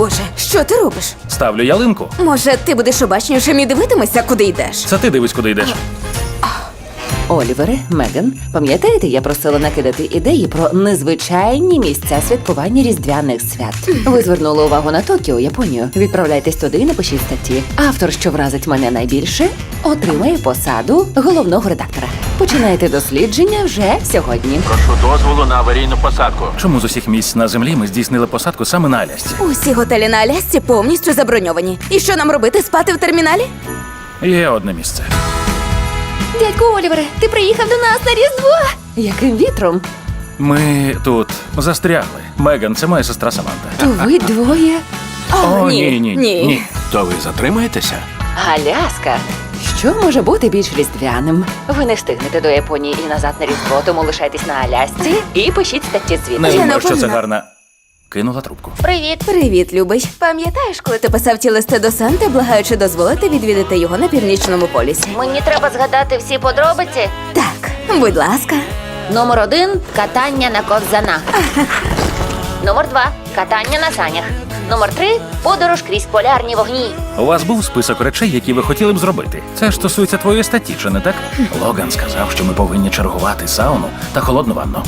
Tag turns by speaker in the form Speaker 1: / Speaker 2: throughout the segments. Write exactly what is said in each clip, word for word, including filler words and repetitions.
Speaker 1: Боже, що ти робиш?
Speaker 2: Ставлю ялинку.
Speaker 1: Може, ти будеш обачнішим і дивитимешся, куди йдеш?
Speaker 2: Це ти дивись, куди йдеш.
Speaker 3: Олівере, Меган, пам'ятаєте, я просила накидати ідеї про незвичайні місця святкування різдвяних свят. Ви звернули увагу на Токіо, Японію. Відправляйтесь туди і напишіть статті. Автор, що вразить мене найбільше, отримає посаду головного редактора. Починайте дослідження вже сьогодні.
Speaker 4: Прошу дозволу на аварійну посадку.
Speaker 2: Чому з усіх місць на землі ми здійснили посадку саме на Алясці?
Speaker 1: Усі готелі на Алясці повністю заброньовані. І що нам робити, спати в терміналі?
Speaker 2: Є одне місце.
Speaker 3: Дядьку Олівере, ти приїхав до нас на Різдво! Яким вітром?
Speaker 2: Ми тут застрягли. Меган, це моя сестра Саманта.
Speaker 3: То ви двоє.
Speaker 2: О, ні, ні, ні. ні.
Speaker 4: То ви затримаєтеся?
Speaker 3: Аляска. Що може бути більш різдвяним? Ви не встигнете до Японії і назад на Різдво, тому лишайтесь на Алясці і пишіть статті
Speaker 2: Не
Speaker 3: звідти.
Speaker 1: Я
Speaker 2: думаю, що це
Speaker 1: напевно.
Speaker 2: гарна. Кинула трубку.
Speaker 3: Привіт.
Speaker 1: Привіт, любий. Пам'ятаєш, коли ти писав ті листи до Санти, благаючи дозволити відвідати його на північному полюсі?
Speaker 3: Мені треба згадати всі подробиці.
Speaker 1: Так, будь ласка.
Speaker 3: Номер один – катання на ковзанах. Номер два – катання на санях. Номер три – подорож крізь полярні вогні.
Speaker 2: У вас був список речей, які ви хотіли б зробити. Це ж стосується твоєї статті, чи не так? Логан сказав, що ми повинні чергувати сауну та холодну ванну.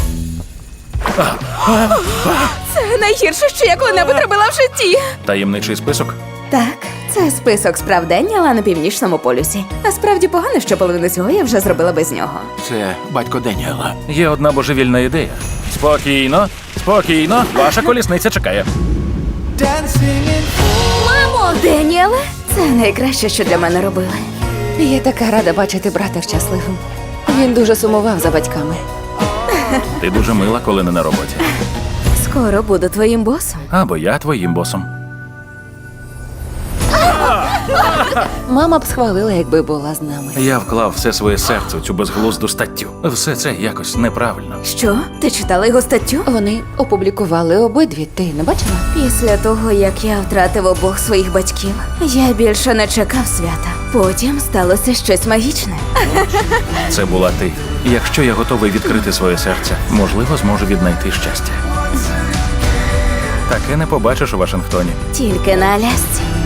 Speaker 1: Це найгірше, що я коли-небудь робила в житті.
Speaker 2: Таємничий список.
Speaker 1: Так, це список справ день, але на північному полюсі. Насправді погано, що половину цього я вже зробила без нього.
Speaker 4: Це батько Деніела.
Speaker 2: Є одна божевільна ідея. Спокійно, спокійно, ваша колісниця чекає.
Speaker 1: Мамо! Деніеле, це найкраще, що для мене робили.
Speaker 3: Я така рада бачити брата щасливим. Він дуже сумував за батьками.
Speaker 2: Ти дуже мила, коли не на роботі.
Speaker 1: Скоро буду твоїм босом.
Speaker 2: Або я твоїм босом.
Speaker 3: Мама б схвалила, якби була з нами.
Speaker 2: Я вклав все своє серце у цю безглузду статтю. Все це якось неправильно.
Speaker 1: Що? Ти читала його статтю?
Speaker 3: Вони опублікували обидві, ти не бачила?
Speaker 1: Після того, як я втратив обох своїх батьків, я більше не чекав свята. Потім сталося щось магічне.
Speaker 2: Це була ти. Якщо я готовий відкрити своє серце, можливо, зможу віднайти щастя. Таке не побачиш у Вашингтоні.
Speaker 1: Тільки на Алясці.